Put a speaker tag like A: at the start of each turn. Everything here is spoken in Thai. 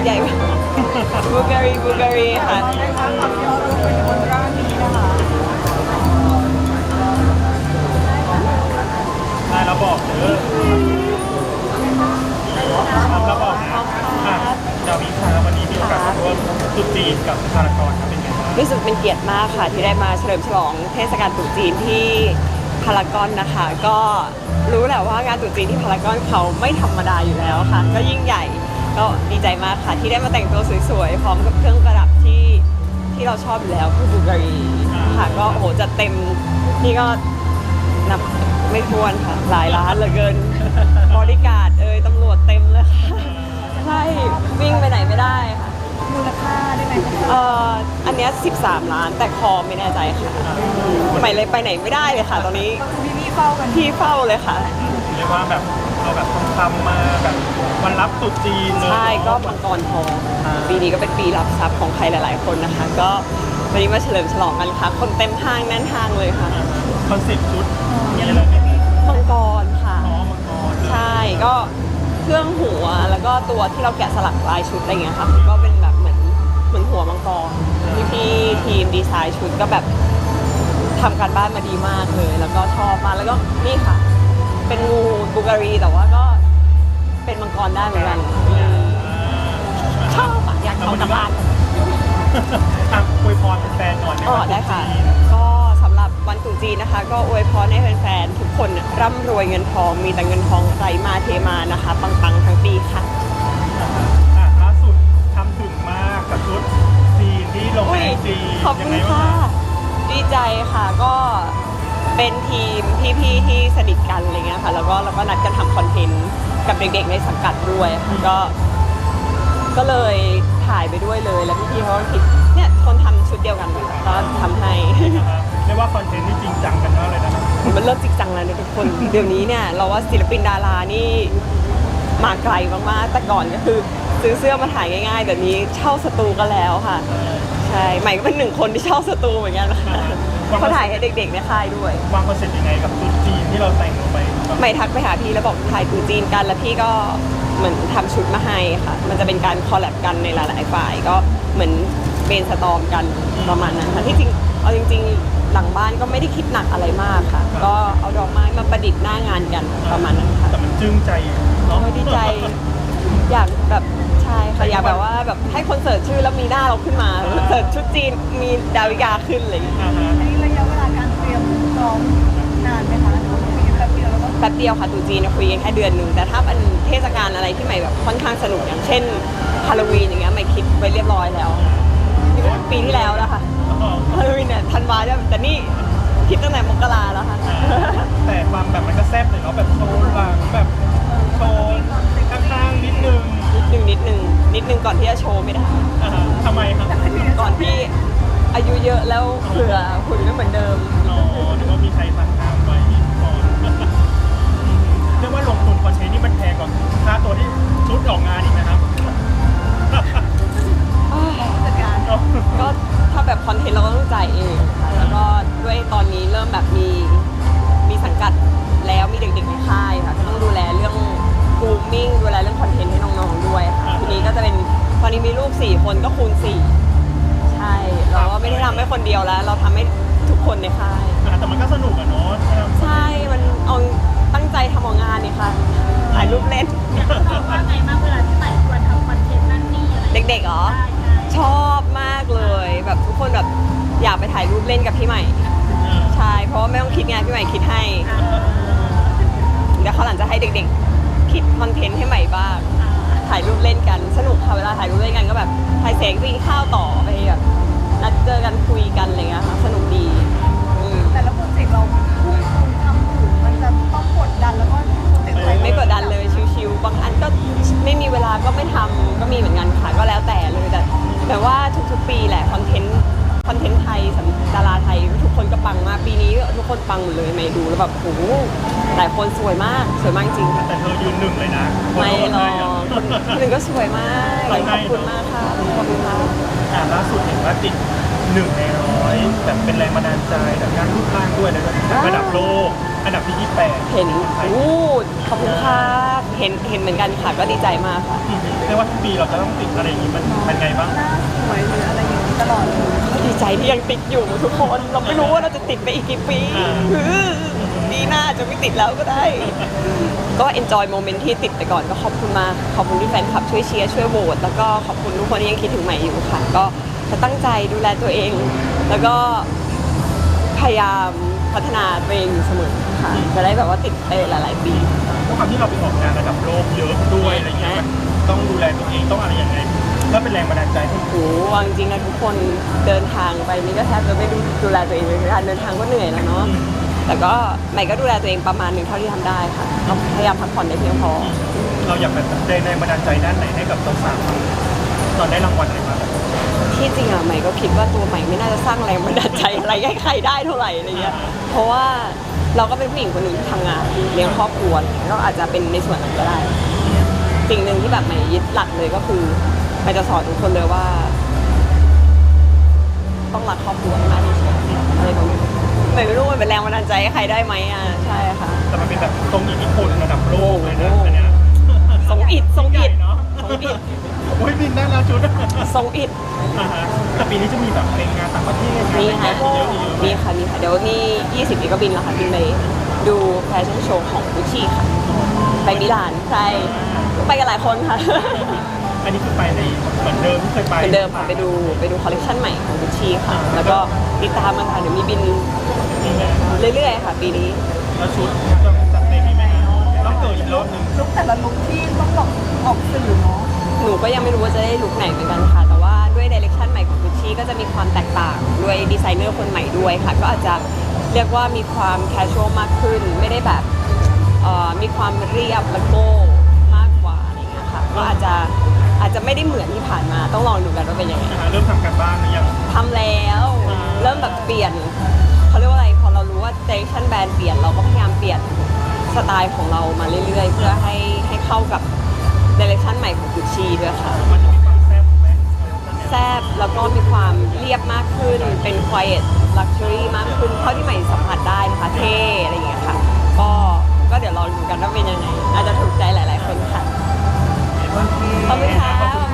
A: ใหญ่บูการีค่ะ
B: ได้ค่ะกับยอดรูปเป็นบนร่างนี้นะคะ
C: ได้แล้วบอกเด้อทำแล้วบอกนะดาวิค่ะวันนี้มีโอกาสมาร่วมตรุษจีนกับพารากอนครับเป็นไงบ้าง
A: รู้สึกเป็นเกียรติมากค่ะที่ได้มาเฉลิมฉลองเทศกาลตรุษจีนที่พารากอนนะคะ ก็รู้แหละว่างานตรุษจีนที่พารากอนเขาไม่ธรรมดาอยู่แล้วค่ะก็ยิ่งใหญ่ก็ดีใจมากค่ะที่ได้มาแต่งตัวสวยๆพร้อมกับเครื่องประดับที่เราชอบอยู่แล้วคือบูการีค่ะก็โอ้โหจัดเต็มนี่ก็นับไม่ถ้วนค่ะหลายล้านเหลือเกินบริการตำรวจเต็มเลยค่ะใช่วิ่งไปไหนไม่ได้ค่ะ
B: มูลค่าได้ไหม
A: อันเนี้ย13 ล้านแต่คอไม่แน่ใจค่ะใหม่เลยไปไหนไม่ได้เลยค่ะ ตอนนี้
B: พี่เฝ้ากัน
A: พี่เฝ้าเลยค่ะ
C: เรียกว่าแบบเอาแบบทองคำมาแบบวันรับตรุษจีนเลย
A: ใช่ก็มังกรทองปีนี้ก็เป็นปีรับทรัพย์ของใครหลายๆคนนะคะ ก็วันนี้มาเฉลิมฉลองกันค่ะคนเต็มห้างแน่นห้างเลยค่ะ
C: คอนเซ็ปต์ชุดมีอะไรบ้าง
A: มังกรค่ะ
C: มังกร
A: ใช่ก็เครื่องหัวแล้วก็ตัวที่เราแกะสลักลายชุดอะไรเงี้ยค่ะก็เป็นแบบเหมือนหัวมังกรพี่ทีมดีไซน์ชุดก็แบบทำการบ้านมาดีมากเลยแล้วก็ชอบมากแล้วก็นี่ค่ะเป็นงูบูการีแต่ว่าก็เป็นมังกรได้เหมือนกันชอบอยากเอากลับบ้าน
C: อวยพรแฟนๆหน่อย
A: ได้ค่ะก็สำหรับวันตรุษจีนนะคะก็อวยพรให้แฟนๆทุกคนร่ำรวยเงินทองมีแต่เงินทองไหลมาเทมานะคะปังๆทั้งปีค่ะ
C: ล่าสุดทำถึงมากกับชุดจีนที่ลงในจีน
A: ขอบคุณค่ะดีใจค่ะก็เป็นทีมพี่ๆที่สนิทกันอะไรเงี้ยค่ะแล้วก็นัดกันทำคอนเทนต์กับเด็กๆในสังกัดด้วยก็เลยถ่ายไปด้วยเลยแล้วพี่ๆเขาก็คิดเนี่ยคนทำชุดเดียวกันก็ทำให้
C: เรียกว่าคอนเทนต์นี่จริงจังกันมากเลยนะ
A: มันเริ่มจริงจังแล้วนะทุกคนเดี๋ยวนี้เนี่ยเราว่าศิลปินดารานี่มาไกลมากๆแต่ก่อนก็คือซื้อเสื้อมาถ่ายง่ายๆแบบนี้เช่าสตูก็แล้วค่ะใช่ใหม่ก็เป็น1 คนที่เช่าสตูเหมือนกันนะคะเขาถ่ายให้เด็กๆในค่ายด้วย
C: วางคอนเซ็ปต์ยังไงกับชุดจีนที่เราแต่งลงไป
A: ใหม่ทักไปหาพี่แล้วบอกถ่ายตรุษจีนกันแล้วพี่ก็เหมือนทำชุดมาให้ค่ะมันจะเป็นการคอลแลบกันในหลายๆฝ่ายก็เหมือนเบนสตอมกันประมาณนั้นค่ะที่จริงเอาจริงๆหลังบ้านก็ไม่ได้คิดหนักอะไรมากค่ะก็เอาดอกไม้มาประดิษฐ์หน้างานกันประมาณนั้นค่ะ
C: แต่มันจึ้งใจเนาะ
A: ดีใจอยากแบบใช่ค่ะอยากแบบว่าแบบให้คนเสิร์ชชื่อแล้วมีหน้าเราขึ้นมาเสิร์ชชุดจีนมีดาวิกาขึ้นเลย
B: อันนี้ระยะเวลาการเตรียมซ้อมนานไหมคะคุยกันแป๊บเดียวแล้วก็
A: แป๊บเดียวค่ะตรุษจีนคุยกันแค่เดือนหนึ่งแต่ถ้าเป็นเทศกาลอะไรที่ใหม่แบบค่อนข้างสนุกอย่างเช่นฮาโลวีนอย่างเงี้ยใหม่คิดไว้เรียบร้อยแล้วปีที่แล้วนะคะฮาโลวีนเนี่ยธันวาเนี่ยแต่นี่คิดตั้งแต่มกราแล้วค่ะ
C: แต่ความแบบมันก็แซ่บเลยเนาะแบบโชว์หลังแบบโชว์ข้างๆนิดนึง
A: ก่อนที่จะโชว์ไม่ได้
C: ทำไมครับ
A: ก่อนที่อายุเยอะแล้วเผื่อหุ่นไม่เหมือนเดิม
C: หรือว่ามีใครสั่งทำไว้ก่อนเรียกว่าลงทุนคอนเทนต์นี่มันแพงกว่าค่าตัวที่ชุดออกงานอีกนะครับ
A: ก็ถ้าแบบคอนเทนต์เราก็ต้องจ่ายเองแล้วก็ด้วยตอนนี้เริ่มแบบมีสังกัดแล้วมีเด็กๆในค่ายค่ะก็ต้องดูแลเรื่องกรูมมิ่งดูแลเรื่องคอนเทนต์ให้น้องๆด้วยค่ะทีนี้ก็จะเป็นตอนนี้มีลูก4 คนก็คูณ4ใช่เราก็ไม่ได้ทำให้คนเดียวแล้วเราทำให้ทุกคนในค่าย
C: แต่มันก็สนุกอะเนาะ
A: ใช่มันเอาตั้งใจทำออกงานนี่ค่ะถ่ายรูปเล่น
B: ว่าไงมากเวลาที่ใหม่ควรทำคอนเทนต์นั่นนี่อะไร
A: เด็กๆเหรอชอบมากเลยแบบทุกคนแบบอยากไปถ่ายรูปเล่นกับพี่ใหม่ใช่เพราะว่าไม่ต้องคิดงานพี่ใหม่คิดให้เดี๋ยวเขาหลังจะให้เด็กๆคิดคอนเทนต์ให้ใหม่บ้างถ่ายรูปเล่นกันสนุกค่ะเวลาถ่ายรูปเล่นกันก็แบบถ่ายเสงไปกินข้าวต่อไปแบบนัดเจอกันคุยกันอะไรเงี้ยค่ะสนุกดี
B: แต่ละโปรเจกต์เราทำถูกมันจะต้องกดดันแล้วก็
A: ไม่กดดันเลยชิวๆบางอันก็ไม่มีเวลาก็ไม่ทำก็มีเหมือนกันค่ะก็แล้วแต่เลยแต่ว่าทุกๆปีแหละคอนเทนต์ไทยดาราไทยทุกคนก็ปังมากปีนี้ทุกคนปังหมดเลยไม่ดูแล้วแบบโอ้โหหลายคนสวยมากจริง
C: แต่เธอยืน1เลยนะ
A: ไม่หรอกคนหนึ่งก็สวยมากขอบคุณมากค่ะขอบคุณมาก
C: ล่าสุดเห็นว่าติด 1 ใน 100แบบเป็นแรงบันดาลใจแบบงานรูปร่างด้วยเลยระดับโลกอันดับที่28
A: เห็นขอบคุณค่ะเห็นเหมือนกันค่ะก็ดีใจมากค่ะ
C: เรียกว่าทุกปีเราจะต้องติดอะไรอย่างนี้มันเป็นไงบ้าง
B: หน้าสวยหรืออะไรอย่างนี้ตลอดเลย
A: ก็ดีใจที่ยังติดอยู่ทุกคนเราไม่รู้ว่าเราจะติดไปอีกกี่ปีปีหน้าจะไม่ติดแล้วก็ได้ ก็ enjoy moment ที่ติดไปก่อนก็ขอบคุณมากขอบคุณที่แฟนคลับช่วยเชียร์ช่วยโหวตแล้วก็ขอบคุณทุกคนที่ยังคิดถึงใหม่อยู่ค่ะ ก็จะตั้งใจดูแลตัวเอง แล้วก็พยายามพัฒนาตัวเองอยู่เสมอค่ะจะได้แบบว่าติดไปหลายๆปี
C: เพราะความที่เราไปออกงานระดับโลกเยอะด้วยอะไรเงี้ยมันต้องดูแลตัวเองต้องอะไรยังไงก็เป็นแรงบันดาลใจให้
A: โอ้โหวางจริงนะทุกคนเดินทางไปนี่ก็แทบจะไม่ดูแลตัวเองเลยการเดินทางก็เหนื่อยแล้วเนาะแต่ก็ใหม่ก็ดูแลตัวเองประมาณหนึ่งเท่าที่ทำได้ค่ะก็พยายามพักผ่อนได้เพียงพอ
C: เราอยากแบบแรงบันดาลใจด้านไหนให้กับสาวๆตอนได้รางวัลอะไรมา
A: ที่จริงอะใหม่ก็คิดว่าตัวใหม่ไม่น่าจะสร้างแรงบันดาลใจอะไรให้ใครได้เท่าไหร่อะไรเงี้ยเพราะว่าเราก็เป็นผู้หญิงคนหนึ่งที่ทำงานเลี้ยงครอบครัวอะไรเงี้ยก็อาจจะเป็นในส่วนนั้นก็ได้ สิ่งหนึ่งที่แบบใหม่ยึดหลักเลยก็คือใหม่จะสอนทุกคนเลยว่า ต้องรักครอบครัวให้มากที่สุดอะไรแบบนี้ใหม่ไม่รู้มันเป็นแรงบันดาลใจให้ใครได้ไหมอ่ะใช่ค่ะ
C: แต่มันเป็นแบบทรงอิทธิพลระดับโลกเลยนะอันเนี้ย
A: ทรงอิฐทรงอิฐ
C: เนาะ
A: ทรงอิฐ
C: โอ้ยบินได้แล้วชุด
A: ทรงอิฐ
C: แต่ปีนี้จะมีแบบเพลงงานต่างประเทศ
A: มีค่ะ
C: เยอะ
A: มีค่ะมีค่ะเดี๋ยวนี่20นี้ก็บินแล้วค่ะบินไปดูแฟชั่นโชว์ของกุชชี่ค่ะไปมิลานใช่ไปกันหลายคนค่ะ
C: อันนี้คือไปในเหมือนเดิมที่เคยไป
A: เหมือนเดิมค่ะไปดูคอลเลคชันใหม่ของกุชชี่ค่ะ แล้วก็ติดตามมันค่ะเดี๋ยวมีบินเรื่อยๆค่ะปีนี้
C: แล้วชุดต้องจัดเต็มให้ไหมต้องเกิดอีกรอบหนึง
B: ลุกแต่ละลุกที่ต้องออกสื่อเนาะ
A: หนูก็ยังไม่รู้ว่าจะได้ลุคไหนเหมือนกันค่ะ แต่ว่าด้วยดิเรกชันใหม่ของกุชชี่ก็จะมีความแตกต่างด้วยดีไซเนอร์คนใหม่ด้วยค่ะ ก็อาจจะเรียกว่ามีความแคชชวลมากขึ้น ไม่ได้แบบมีความเรียบและโก้มากกว่าอะไรเงี้ยค่ะก็อาจจะไม่ได้เหมือนที่ผ่านมาต้องลองดูกันว่าเป็นยังไง
C: เริ่มทำการบ้านหรือยัง
A: ทำแล้วเริ่มแบบเปลี่ยนเขาเรียกว่าอะไรพอเรารู้ว่าดิเรกชันแบรนด์เปลี่ยนเราก็พยายามเปลี่ยนสไตล์ของเรามาเรื่อยๆ เพื่อให้เข้ากับดิเรกชันใหม่ของกุชชี่ด้วยค่ะ
C: มันจะมีความแซ่บไหม
A: แซบแล้วก็มีความเรียบมากขึ้น เป็น quiet luxury มากขึ้น เท่าที่ใหม่สัมผัสได้นะคะเท่อะไรอย่างเงี้ยค่ะ ก็เดี๋ยวลองดูกันว่าเป็นยังไง อาจจะถูกใจหลายๆคนค่ะ ขอบคุณค่ะ